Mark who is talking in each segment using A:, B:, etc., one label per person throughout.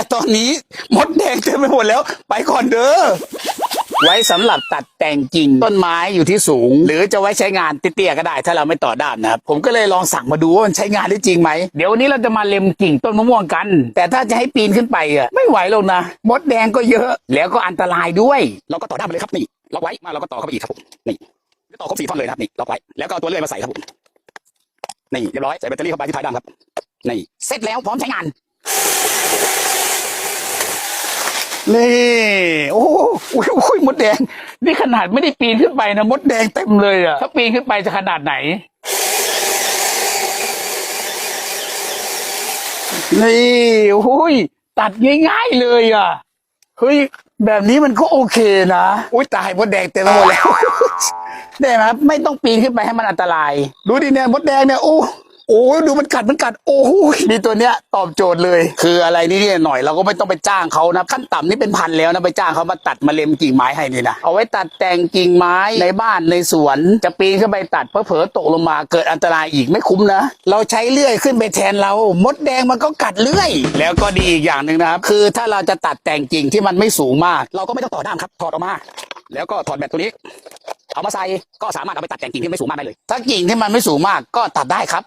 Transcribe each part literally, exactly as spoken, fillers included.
A: ตอนนี้มดแดงเต็มไปหมดแล้วไปก่อนเด้อไว้สำหรับตัดแต่งกิ่งต้นไม้อยู่ที่สูงหรือจะไว้ใช้งานเตี้ยๆก็ได้ถ้าเราไม่ต่อด้ามนะครับผมก็เลยลองสั่งมาดูว่ามันใช้งานได้จริงไหมเดี๋ยววันนี้เราจะมาเล็มกิ่งต้นมะม่วงกันแต่ถ้าจะให้ปีนขึ้นไปอ่ะไม่ไหวหรอกนะมดแดงก็เยอะแล้วก็อันตรายด้วยเราก็ต่อด้ามไปเลยครับนี่ล็อกไว้มาเราก็ต่อเข้าไปอีกครับผมนี่ต่อครบสี่ท่อนเลยนะครับนี่ล็อกไว้แล้วก็เอาตัวเลื่อยมาใส่ครับผมนี่เรียบร้อยใส่แบตเตอรี่เข้าไปที่ท้ายด้ามครับนี่เสร็จแล้วพร้อมใช้งานนี่โอ้โหมดแดงนี่ขนาดไม่ได้ปีนขึ้นไปนะมดแดงเต็มเลยอ่ะถ้าปีนขึ้นไปจะขนาดไหนนี่โอ้ยตัดง่ายๆเลยอ่ะเฮ้ยแบบนี้มันก็โอเคนะอุ้ยตายมดแดงเต็มไปหมดแล้วได้ไหมครับไม่ต้องปีนขึ้นไปให้มันอันตรายดูดิเนี่ยมดแดงเนี่ยโอ้โอ้ดูมันกัดมันกัดโอ้โหมีตัวเนี้ยตอบโจทย์เลยคืออะไรนี่เนี่ยหน่อยเราก็ไม่ต้องไปจ้างเขานะขั้นต่ำนี่เป็นพันแล้วนะไปจ้างเขามาตัดมาเล็มกิ่งไม้ให้นี่นะเอาไว้ตัดแต่งกิ่งไม้ในบ้านในสวนจะปีนขึ้นไปตัดเผลอๆตกลงมาเกิดอันตรายอีกไม่คุ้มนะเราใช้เลื่อยขึ้นไปแทนเรามดแดงมันก็กัดเลื่อยแล้วก็ดีอีกอย่างหนึ่งนะครับคือถ้าเราจะตัดแต่งกิ่งที่มันไม่สูงมากเราก็ไม่ต้องต่อด้ามครับถอดออกมาแล้วก็ถอดแบตตัวนี้เอามาใส่ก็สามารถเอาไปตัดแต่งกิ่งที่ไม่สูงมากได้เลยถ้ากิ่งที่มันไม่สูงมากก็ตัดได้ครับ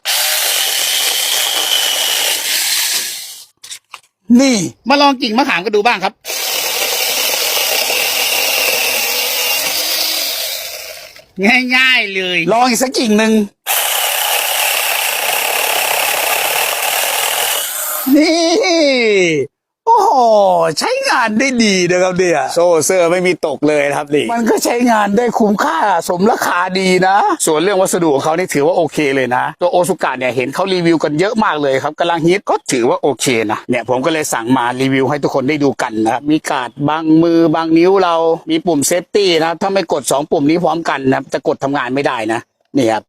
A: นี่มาลองกิ่งมะขามกันดูบ้างครับง่ายๆเลยลองอีกสักกิ่งหนึ่งนี่โอ้โหใช้งานได้ดีนะครับเนี่ยโซ่เซอร์ไม่มีตกเลยครับนี่มันก็ใช้งานได้คุ้มค่าสมราคาดีนะส่วนเรื่องวัสดุของเขานี่ถือว่าโอเคเลยนะตัวโอซุกะเนี่ยเห็นเขารีวิวกันเยอะมากเลยครับกำลังฮิตก็ถือว่าโอเคนะเนี่ยผมก็เลยสั่งมารีวิวให้ทุกคนได้ดูกันนะครับมีการ์ดบังมือบังนิ้วเรามีปุ่มเซฟตี้นะถ้าไม่กดสองปุ่มนี้พร้อมกันนะจะกดทำงานไม่ได้นะนี่ครับ